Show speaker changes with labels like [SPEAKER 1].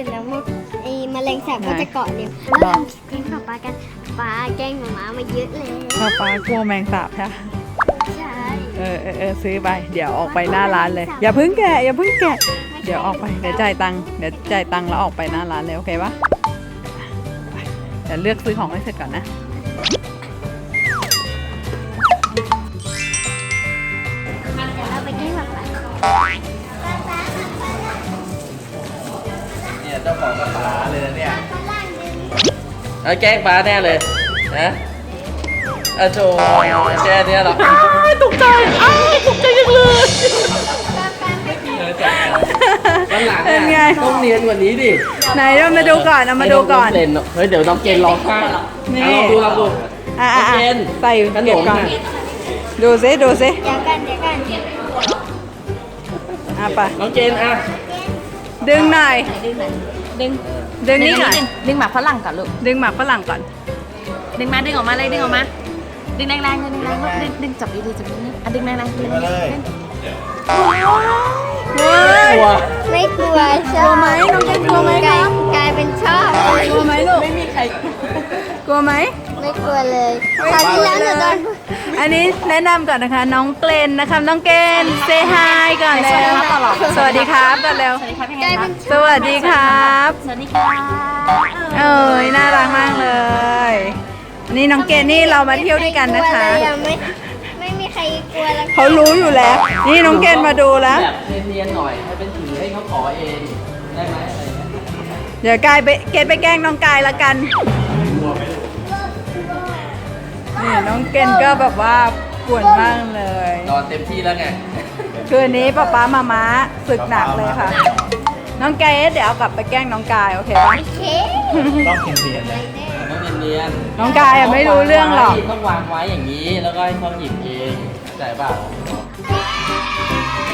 [SPEAKER 1] เสร็จแล้วไอ้แมลงสาบก็จะเกาะเร็วแล้วทำแกล้งป๊ากันป๊าแกล้งหมามาเยอะเลย
[SPEAKER 2] ป๊ากลัวแมงสาบใช่ไหม
[SPEAKER 1] ใช่
[SPEAKER 2] ซื้อไปเดี๋ยวออกไปหน้าร้านเลยอย่าเพิ่งแกะเดี๋ยวออกไปเดี๋ยวจ่ายตังค์แล้วออกไปหน้าร้านเลยโอเคปะไปเดี๋ยวเลือกซื้อของให้เสร็จก่อนนะ
[SPEAKER 1] เอาไปแกล้งป๊า
[SPEAKER 3] เนี่ยเจ้าของกับปลาเลยนะเนี่ยเอาแกล้งปลาแน่เลยนะโจแค่เนี้ยหรอตกใจตกใจจังเลยวันหลังต้องเนียนกว่านี้ดิ
[SPEAKER 2] ไหนเรามาดูก่อนเอามาดูก่อน
[SPEAKER 3] เฮ้ยเดี๋ยวน้องเกณฑ์ร้องไห้ลองดูน้องเกณฑ์
[SPEAKER 2] ใส่
[SPEAKER 3] ขน
[SPEAKER 2] เก็บ
[SPEAKER 3] ม
[SPEAKER 2] ก่อนดูซิ
[SPEAKER 1] เดี๋ยวกัน
[SPEAKER 2] ไป
[SPEAKER 3] น้องเกณฑ์
[SPEAKER 2] ดึงหน่อย
[SPEAKER 4] ดึง
[SPEAKER 2] ดึงนี่หน่อย
[SPEAKER 4] ดึงหมากฝรั่งก่อนลูก
[SPEAKER 2] ดึงหมากฝรั่งก่อน
[SPEAKER 4] ดึงมาดึงออกมาเลยดึงออกมาดึงแรงๆดึงแรงๆลูกดึงจับดีๆจับดีๆดึงแรงๆดึงแรงๆ
[SPEAKER 2] เฮ้ย
[SPEAKER 3] กลัว
[SPEAKER 1] ไม่กลัวชอบ
[SPEAKER 2] กลัวไหมน้องเกณฑ์กลัวไหมครับ
[SPEAKER 1] กลายเป็นชอบ
[SPEAKER 2] กลัวไหมลูก
[SPEAKER 4] ไม่มีใคร
[SPEAKER 2] กลัวไหม
[SPEAKER 1] ไม่กลัวเลยคราวที่แล้วหนูโดน
[SPEAKER 2] อันนี้แนะนำก่อนนะคะ น้องเกรนนะคะน้องเกรนเซฮายก่อนแล้วสวัสดีครับก่อนแล้ว
[SPEAKER 4] สวัสดีครับยัง
[SPEAKER 1] ก
[SPEAKER 4] ไง
[SPEAKER 1] ลาย
[SPEAKER 4] ครั
[SPEAKER 1] เป็
[SPEAKER 4] บ
[SPEAKER 1] น
[SPEAKER 2] สวัสดีครับ
[SPEAKER 4] สวัสดีค่ะ
[SPEAKER 2] เอ้ยน่ารักมากเลย นี่น้องเกรนนี่เรามาเที่ยวด้วยกันนะคะ
[SPEAKER 1] ไม่กลัวเลยไม่มีใครกลัวแล้ว
[SPEAKER 2] เขารู้อยู่แล้ว นี่น้องเกรนมาดูแล้ว
[SPEAKER 3] แบบเนียนๆหน่อยให้เป็นถือให้เขาขอเองได้ไหมอะไรเงี้ย
[SPEAKER 2] เดี๋ยวกายไปเกรนไปแกล้งน้องกายละกันนี่น้องเกรนก็แบบว่าป่วนมากเลย
[SPEAKER 3] นอนเต็มที่แล้วไง
[SPEAKER 2] คืนนี้ป๊ามาม้าศึกหนักเลยค่ะ น้องเกรนเดี๋ยวเอากลับไปแกล้งน้องกายโอเคปะ
[SPEAKER 1] โอเค
[SPEAKER 3] ต้องเนียนๆเลยต้องเนียนๆ
[SPEAKER 2] น้องกายอะไม่รู้เรื่องหรอก
[SPEAKER 3] ต้องวางไว้อย่างนี้แล้วก็ให้เขาหยิบเองเข้าใจเปล่า